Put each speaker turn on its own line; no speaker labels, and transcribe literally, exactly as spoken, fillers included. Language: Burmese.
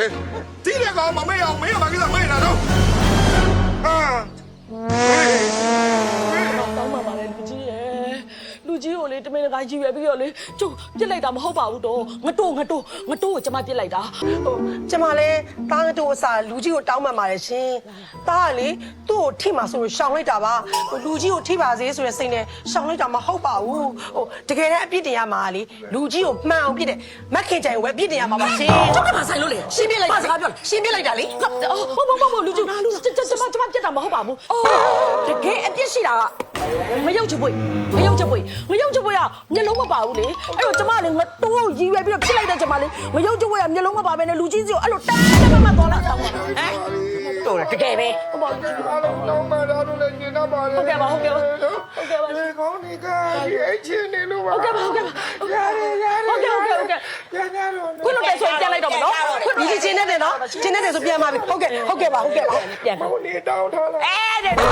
လေတီးတဲ့ကောင်မမေ့အောင်မင်းကဘာကိစ္စမေ့နေတာတော့ဟာ
တောင်းပါပါလေလူကြီးရဲ့လူကြီးကိုလေတမင်တကာကြီးရွယ်ပြီးတော့လေကျုပ်ပြစ်လိုက်တာမဟုတ်ပါဘူးတော့ငတိုးငတိုးငတိုးကိုကျမပြစ်လိုက်တာ
ဟိုကျမလည်းတားတို့အစားလူကြီးကိုတောင်းပန်ပါတယ်ရှင်တားကလေသူ့ကိုထိမှဆိုလို့ရှောင်လိုက်တာပါဟိုလူကြီးကိုထိပါစေဆိုတဲ့စိတ်နဲ့ရှောင်လိုက်တာမဟုတ်ပါဘူးဟိုတကယ်တမ်းအပြစ်တင်ရမှာလေလူကြီးကိုမှန်အောင်ပြစ်တယ်မက်ခင်ကြိုင်ကိုပဲအပြစ်တင်ရမှာပါရှင်
ကျုပ်ကမဆိုင်လို့လေ
ရှင်းပြလိုက်ပါစကားပြောရှင်းပြလိုက်တာလေ
ဟုတ်ဟုတ်ဟုတ်ဟုတ်လူကြီးကျကျကျမကျမပြစ်တာမဟုတ်ပါဘူးအော်တကယ်အပြစ်ရှိတာကမယုံချပွေမယုံချပွေမယုံချပွေကမျက်လုံးမပါဘူးလေအဲ့တော့ကျမလည်းငတိုးရည်ရွယ်ပြီးတော့ဖြစ်လိုက်တဲ့ကျမလေးမယုံချပွေကမျက်လုံးမပါဘဲနဲ့လူကြီးစီကိုအဲ့လိုတန်းတန်းမတော်လိုက်တော့ဟမ်တော်တယ်တကယ်ပဲဟုတ်ပါဘူး
အားလုံးတော့မတော်လို့လည်းညင်တော့ပါလေ
ဟုတ်ကဲ့ပါဟုတ်ကဲ့ပါဟုတ်ကဲ့ပါ
ဒီကောင်းနေကဒီအချင်းနေလို့ပါ
ဟုတ်ကဲ့ပါဟုတ်ကဲ့ပါရတယ်ရတယ်ဟုတ်ကဲ့ဟုတ်ကဲ့ဟုတ်ကဲ့
ရရတော့
ခွင့်လို့တဲ့ဆိုပြန်လိုက်တော့မနော်
လူကြီးချင်းနေတယ်နော်ချင်းနေတယ်ဆိုပြန်ပါပြီဟုတ်ကဲ့ဟုတ်ကဲ့ပါဟုတ်ကဲ့ပါ
ပြန်
ဟိုနေတောင်းထားလား
အဲ့ဒါ